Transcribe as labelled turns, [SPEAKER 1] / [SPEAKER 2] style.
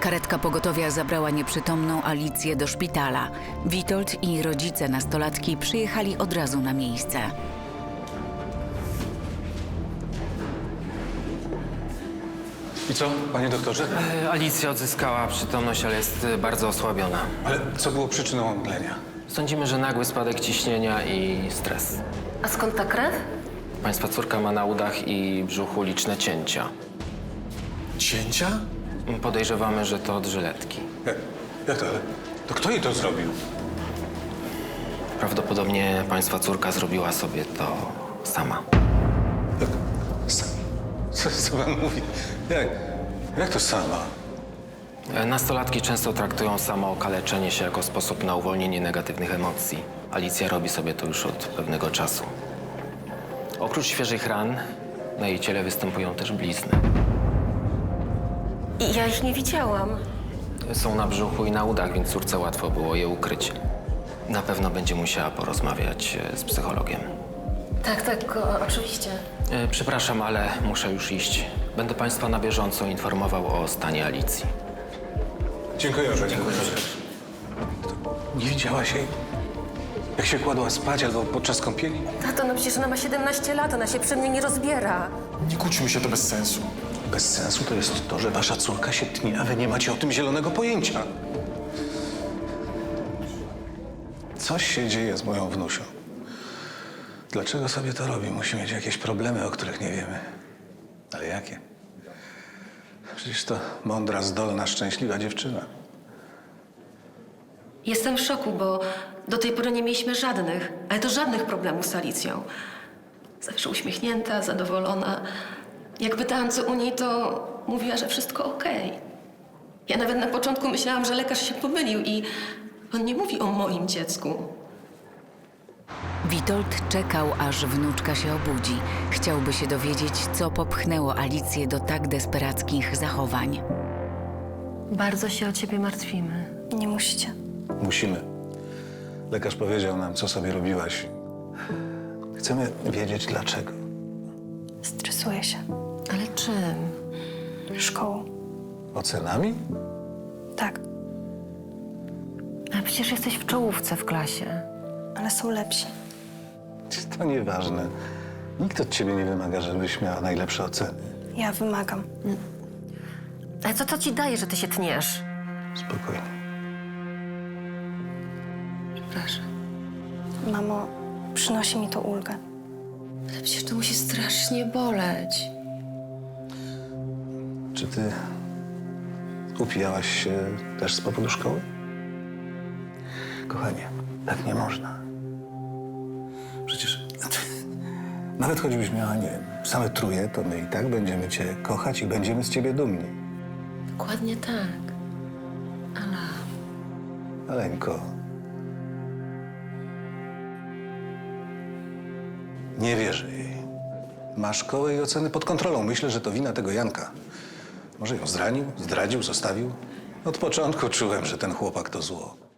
[SPEAKER 1] Karetka pogotowia zabrała nieprzytomną Alicję do szpitala. Witold i rodzice nastolatki przyjechali od razu na miejsce.
[SPEAKER 2] I co, panie doktorze?
[SPEAKER 3] Alicja odzyskała przytomność, ale jest bardzo osłabiona.
[SPEAKER 2] Ale co było przyczyną omdlenia?
[SPEAKER 3] Sądzimy, że nagły spadek ciśnienia i stres.
[SPEAKER 4] A skąd ta krew?
[SPEAKER 3] Państwa córka ma na udach i brzuchu liczne cięcia.
[SPEAKER 2] Cięcia?
[SPEAKER 3] Podejrzewamy, że to od żyletki.
[SPEAKER 2] Jak to? Ale to kto jej to zrobił?
[SPEAKER 3] Prawdopodobnie państwa córka zrobiła sobie to sama.
[SPEAKER 2] Jak? Co pan mówi? Jak to sama?
[SPEAKER 3] Nastolatki często traktują samo okaleczenie się jako sposób na uwolnienie negatywnych emocji. Alicja robi sobie to już od pewnego czasu. Oprócz świeżych ran, na jej ciele występują też blizny.
[SPEAKER 4] I ja ich nie widziałam.
[SPEAKER 3] Są na brzuchu i na udach, więc córce łatwo było je ukryć. Na pewno będzie musiała porozmawiać z psychologiem.
[SPEAKER 4] Tak, oczywiście.
[SPEAKER 3] Przepraszam, ale muszę już iść. Będę państwa na bieżąco informował o stanie Alicji.
[SPEAKER 2] Dziękuję, panie doktorze. Nie widziałaś jej? Jak się kładła spać albo podczas kąpieli?
[SPEAKER 4] Tato, no przecież ona ma 17 lat, ona się przy mnie nie rozbiera.
[SPEAKER 5] Nie kłóćmy się, to bez sensu.
[SPEAKER 2] Bez sensu to jest to, że wasza córka się tnie, a wy nie macie o tym zielonego pojęcia. Coś się dzieje z moją wnusią. Dlaczego sobie to robi? Musi mieć jakieś problemy, o których nie wiemy. Ale jakie? Przecież to mądra, zdolna, szczęśliwa dziewczyna.
[SPEAKER 4] Jestem w szoku, bo do tej pory nie mieliśmy żadnych, ale to żadnych problemów z Alicją. Zawsze uśmiechnięta, zadowolona. Jak pytałam, co u niej, to mówiła, że wszystko okej. Ja nawet na początku myślałam, że lekarz się pomylił i on nie mówi o moim dziecku.
[SPEAKER 1] Witold czekał, aż wnuczka się obudzi. Chciałby się dowiedzieć, co popchnęło Alicję do tak desperackich zachowań.
[SPEAKER 4] Bardzo się o ciebie martwimy.
[SPEAKER 6] Nie musicie.
[SPEAKER 2] Musimy. Lekarz powiedział nam, co sobie robiłaś. Chcemy wiedzieć, dlaczego.
[SPEAKER 6] Stresuję się.
[SPEAKER 4] Ale czym?
[SPEAKER 6] Szkołą.
[SPEAKER 2] Ocenami?
[SPEAKER 6] Tak,
[SPEAKER 4] A przecież jesteś w czołówce w klasie.
[SPEAKER 6] ale są lepsi.
[SPEAKER 2] To nieważne. Nikt od ciebie nie wymaga, żebyś miała najlepsze oceny.
[SPEAKER 6] Ja wymagam.
[SPEAKER 4] Ale co to ci daje, że ty się tniesz?
[SPEAKER 2] Spokojnie.
[SPEAKER 4] Przepraszam.
[SPEAKER 6] Mamo, przynosi mi to ulgę.
[SPEAKER 4] Ale przecież to musi strasznie boleć.
[SPEAKER 2] Czy ty upijałaś się też z powodu szkoły? Kochanie, tak nie można. Przecież nawet choćbyś miała, nie wiem, same truje, to my i tak będziemy cię kochać i będziemy z ciebie dumni.
[SPEAKER 4] Dokładnie tak. Ale...
[SPEAKER 2] Aleńko. Nie wierzę jej. Ma szkołę i oceny pod kontrolą. Myślę, że to wina tego Janka. Może ją zranił, zdradził, zostawił. Od początku czułem, że ten chłopak to zło.